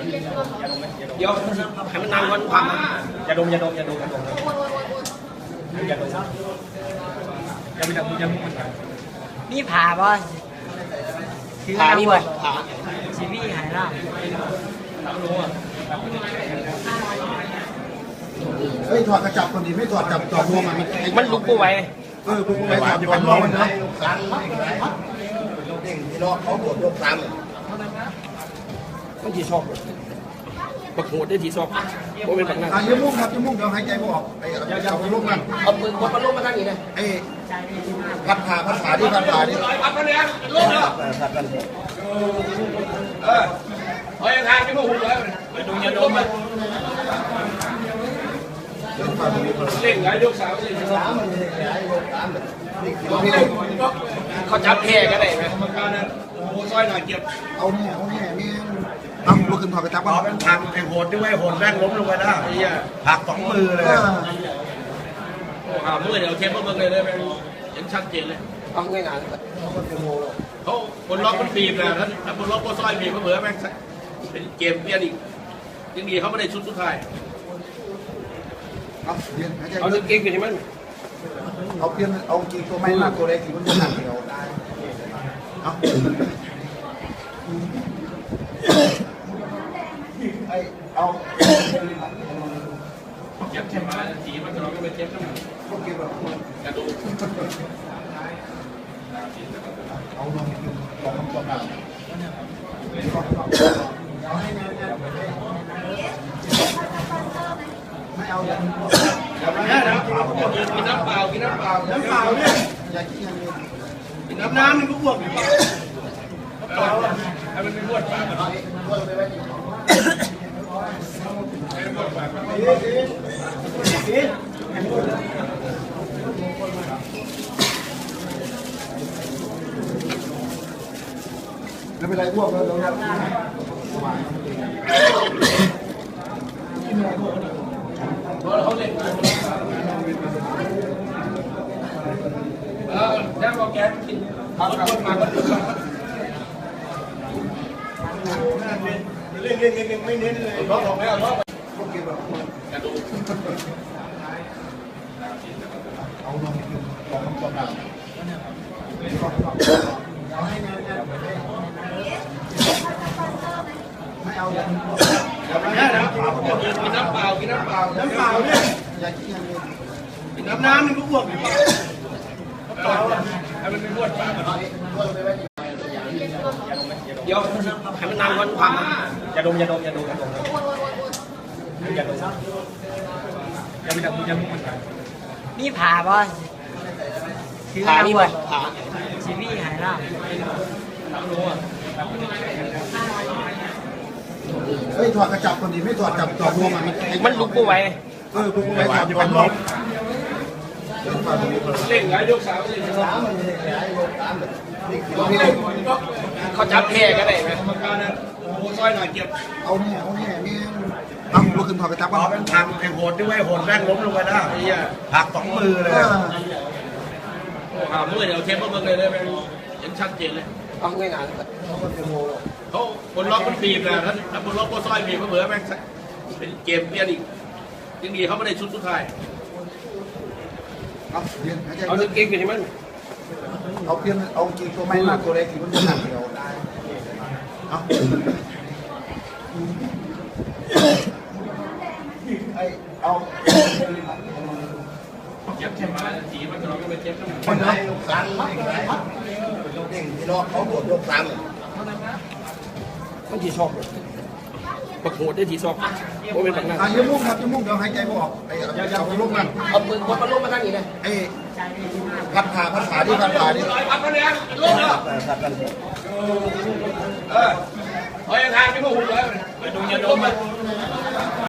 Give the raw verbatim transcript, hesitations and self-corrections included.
เดี๋ยวให้มันนานวันความอย่าดมอย่าดมอย่าดมอย่าดมอย่าดมอย่าไปทำอย่าไปทำมีผ่าบ่ผ่ามีบ่ผ่าชีวิตหายล่าเฮ้ยถอดกระจับคนดีไม่ถอดจับจอบรวมมันมันลุกกูไว้เออลุกกูไว้ถอดจอบรวมมันนะเด้งที่รอเขาตรวจยกซ้ำต้องทีชอบปักโหดได้ทีชอบโมเป็นปักหน้าอ่ะยิ้มมุ่งครับยิ้มมุ่งเดี๋ยวหายใจไม่ออกไอ้เอาไปลุกมันเอามือวัดมันลุกมาทางนี้นะไอ้พัดขาพัดขาที่พัดขาที่พัดมันเนี่ยลุกเนาะเออเฮ้ยทางที่พวกหุ่นเลยไปดูยาดมมันเล่นไงยกสามเล่นสามเขาจับแค่กันได้ไหมกรรมการนะโอ้ซอยหน่อยเก็บเอาเนี่ยเอาเนี่ยนี่เอาลุกขึ้นถอดกระจับเอาเป็นทางไอ้โหดด้วยโหดแรกล้มลงไปแล้วหักสองมือเลยโอ้หามือเดี๋ยวเทปมือเลยเลยเห็นชัดเจนเลยเอาง่ายๆเขาคนล็อกมันบีบนะถ้าคนล็อกก็ซอยบีบก็เหมือนแม่งเป็นเกมเปลี่ยนอีกยังดีเขาไม่ได้ชุดสุดท้ายเอาเปลี่ยนเอาเก่งกันใช่ไหมเอาเปลี่ยนเอากี่ตัวไม่มากตัวเล็กที่มันจะหนักเดียวเอาไอเอาเจ็บเจ็บมาสีมันก็เราก็ไปเจ็บทั้งหมดกระดูกเอาลงของคำตัวหนักไม่เอาอย่างนี้นะกินน้ำเปล่ากินน้ำเปล่าน้ำเปล่าเนี่ยอย่ากินอย่างนี้กินน้ำน้ำมันก็บวกอยู่เปล่าให้มันเป็นบวกปากไม่เป็นไรพวกเราเราเราเขาเล่นเออแล้วก็แกกินทำคนมาก็ดูเล่นเล่นเล่นเล่นไม่เน้นเลยล็อกของแล้วล็อกพวกเก็บแบบกระดูกเอาลงของคำตัวหนักไม่เอาอย่างนี้นะกินน้ำเปล่ากินน้ำเปล่าน้ำเปล่าเนี่ยอย่ากินอย่างนี้กินน้ำน้ำมันก็บวกอยู่เปล่าให้มันเป็นบวกปากเดี๋ยวให้มันนานวันความอย่าดมอย่าดมอย่าดมอย่าดมอย่าดมอย่าไปทำอย่าไปทำมีผ่าบ่ผ่ามีบ่ผ่าชีวิตหายล่าเฮ้ยถอดกระจับคนดีไม่ถอดจับจอบรวมมันมันลุกกูไว้เออลุกกูไว้ถอดจอบรวมเล่นไงยกสามเล่นสามเขาจับแค่กันได้ไหมกรรมการนะโอ้ซอยหน่อยเก็บเอาเนี่ยเอาเนี่ยนี่เอาลุกขึ้นถอดกระจับเอาเป็นทางไอ้โหดด้วยโหดแรกล้มลงไปแล้วหักสองมือเลยโอ้หามือเดี๋ยวเทปมือเลยเลยเห็นชัดเจนเลยเอาง่ายๆเขาคนล็อกมันบีบนะถ้าคนล็อกก็ซอยบีบก็เหมือนแม่งเป็นเกมเปลี่ยนอีกยังดีเขาไม่ได้ชุดสุดท้ายเอาเปลี่ยนเอาเก่งกันใช่ไหมเอาเปลี่ยนเอากี่ตัวไม่มากตัวเล็กที่มันจะหนักเดียวเอาไอเอาเจ็บเจ็บมาสีมันก็เราก็ไปเจ็บทั้งหมดคนไหนซ้ำเด้งที่รอเขาตรวจยกซ้ำต้องทีชอบปักโหดได้ทีชอบโมเป็นปักหน้าอ่ะยิ้มมุ่งครับยิ้มมุ่งเดี๋ยวหายใจไม่ออกไอ้เอาไปลุกมันเอามือวัดมันลุกมาทางนี้นะไอ้พัดขาพัดขาที่พัดขาที่พัดมันเนี่ยลุกเนาะเออเฮ้ยทางที่พวกหุ่นเลยไปดูยาดมมัน